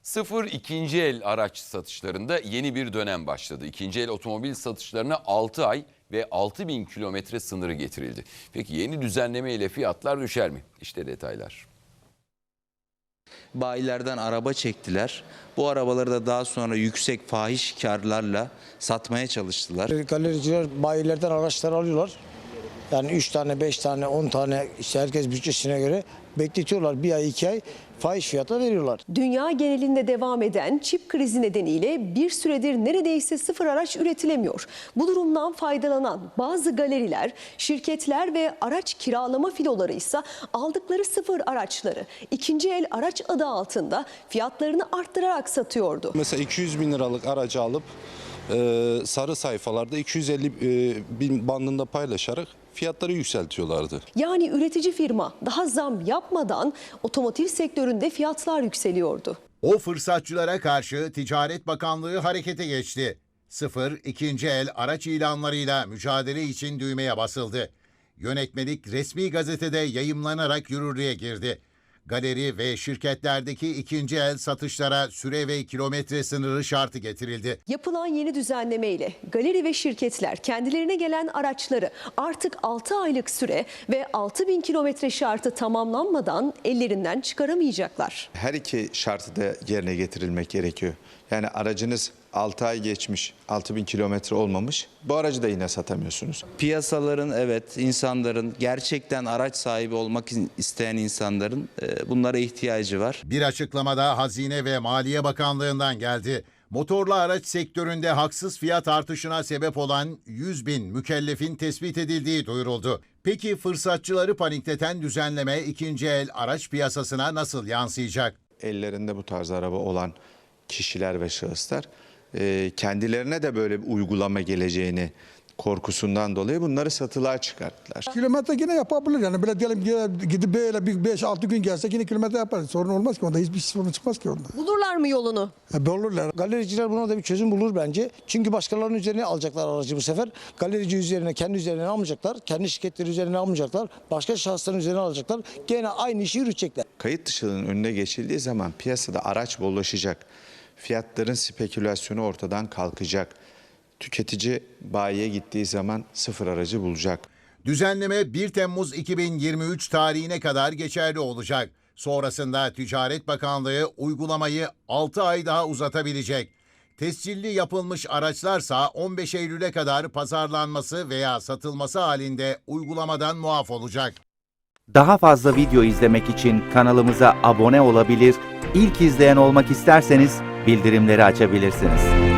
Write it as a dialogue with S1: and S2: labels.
S1: Sıfır ikinci el araç satışlarında yeni bir dönem başladı. İkinci el otomobil satışlarına 6 ay ve 6.000 kilometre sınırı getirildi. Peki yeni düzenleme ile fiyatlar düşer mi? İşte detaylar.
S2: Bayilerden araba çektiler. Bu arabaları da daha sonra yüksek fahiş karlarla satmaya çalıştılar.
S3: Galericiler bayilerden araçlar alıyorlar. Yani 3 tane, 5 tane, 10 tane işte herkes bütçesine göre bekletiyorlar. 1 ay, 2 ay fahiş fiyata veriyorlar.
S4: Dünya genelinde devam eden çip krizi nedeniyle bir süredir neredeyse sıfır araç üretilemiyor. Bu durumdan faydalanan bazı galeriler, şirketler ve araç kiralama filoları ise aldıkları sıfır araçları ikinci el araç adı altında fiyatlarını arttırarak satıyordu.
S5: Mesela 200 bin liralık aracı alıp sarı sayfalarda 250 bin bandında paylaşarak fiyatları yükseltiyorlardı.
S4: Yani üretici firma daha zam yapmadan otomotiv sektöründe fiyatlar yükseliyordu.
S6: O fırsatçılara karşı Ticaret Bakanlığı harekete geçti. Sıfır, ikinci el araç ilanlarıyla mücadele için düğmeye basıldı. Yönetmelik resmi gazetede yayımlanarak yürürlüğe girdi. Galeri ve şirketlerdeki ikinci el satışlara süre ve kilometre sınırı şartı getirildi.
S4: Yapılan yeni düzenleme ile galeri ve şirketler kendilerine gelen araçları artık 6 aylık süre ve 6.000 kilometre şartı tamamlanmadan ellerinden çıkaramayacaklar.
S7: Her iki şartı da yerine getirilmek gerekiyor. Yani aracınız 6 ay geçmiş, 6.000 kilometre olmamış. Bu aracı da yine satamıyorsunuz.
S2: Piyasaların, evet, insanların gerçekten araç sahibi olmak isteyen insanların bunlara ihtiyacı var.
S6: Bir açıklamada Hazine ve Maliye Bakanlığı'ndan geldi. Motorlu araç sektöründe haksız fiyat artışına sebep olan 100 bin mükellefin tespit edildiği duyuruldu. Peki fırsatçıları panikleten düzenleme ikinci el araç piyasasına nasıl yansıyacak?
S7: Ellerinde bu tarz araba olan kişiler ve şahıslar kendilerine de böyle bir uygulama geleceğini korkusundan dolayı bunları satılığa çıkarttılar.
S8: Kilometre yine yapabilir yani böyle diyelim gidip böyle bir 5-6 gün gelse yine kilometre yapar. Sorun olmaz ki onda, hiçbir sorun çıkmaz ki onda.
S4: Bulurlar mı yolunu?
S8: Olurlar.
S3: Galericiler buna da bir çözüm bulur bence. Çünkü başkalarının üzerine alacaklar aracı bu sefer. Galerici üzerine, kendi üzerine almayacaklar. Kendi şirketleri üzerine almayacaklar. Başka şahısların üzerine alacaklar. Gene aynı işi yürütecekler.
S7: Kayıt dışılığının önüne geçildiği zaman piyasada araç bollaşacak. Fiyatların spekülasyonu ortadan kalkacak. Tüketici bayiye gittiği zaman sıfır aracı bulacak.
S6: Düzenleme 1 Temmuz 2023 tarihine kadar geçerli olacak. Sonrasında Ticaret Bakanlığı uygulamayı 6 ay daha uzatabilecek. Tescilli yapılmış araçlarsa 15 Eylül'e kadar pazarlanması veya satılması halinde uygulamadan muaf olacak.
S9: Daha fazla video izlemek için kanalımıza abone olabilir, ilk izleyen olmak isterseniz bildirimleri açabilirsiniz.